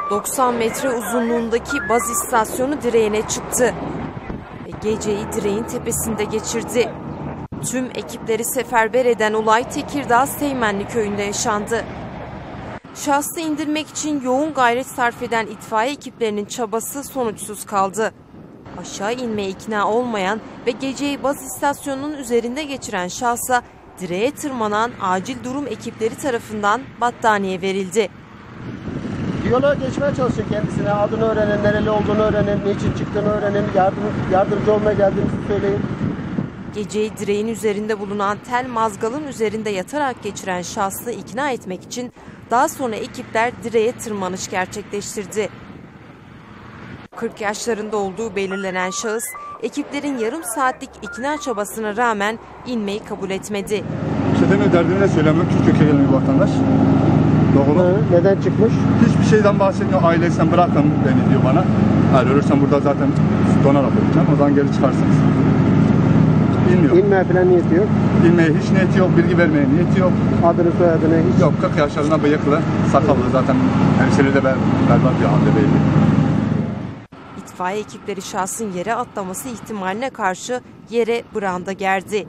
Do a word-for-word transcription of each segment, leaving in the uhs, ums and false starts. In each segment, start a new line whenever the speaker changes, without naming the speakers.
doksan metre uzunluğundaki baz istasyonu direğine çıktı ve geceyi direğin tepesinde geçirdi. Tüm ekipleri seferber eden olay Tekirdağ Seymenli köyünde yaşandı. Şahsı indirmek için yoğun gayret sarf eden itfaiye ekiplerinin çabası sonuçsuz kaldı. Aşağı inmeye ikna olmayan ve geceyi baz istasyonunun üzerinde geçiren şahsa direğe tırmanan acil durum ekipleri tarafından battaniye verildi.
Diyaloğa geçmeye çalışıyor kendisine. Adını öğrenin, nereli olduğunu öğrenin, niçin çıktığını öğrenin, yardım, yardımcı olmaya geldiğinizi söyleyin.
Geceyi direğin üzerinde bulunan tel mazgalın üzerinde yatarak geçiren şahsı ikna etmek için daha sonra ekipler direğe tırmanış gerçekleştirdi. kırk yaşlarında olduğu belirlenen şahıs, ekiplerin yarım saatlik ikna çabasına rağmen inmeyi kabul etmedi.
Çeteme derdini de söylemiyor, Türkiye'ye gelen bir vatandaş. Doğru.
Hı, neden çıkmış?
Hiçbir şeyden bahsetmiyor, ailesinden bırakın beni diyor bana. Eğer ölürsem burada zaten donarak öleceğim, o zaman geri çıkarsınız. İnmiyor.
İnmeye falan niyeti yok.
İnmeye hiç niyeti yok, bilgi vermeye niyeti yok.
Adını soyadını hiç
yok. kırk yaşlarında bıyıklı, sakallı, zaten hemşeri de berbat bir halde belli.
İtfaiye ekipleri şahsın yere atlaması ihtimaline karşı yere branda gerdi.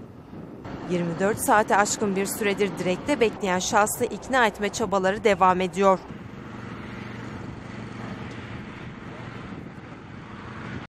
yirmi dört saate aşkın bir süredir direkte bekleyen şahsı ikna etme çabaları devam ediyor.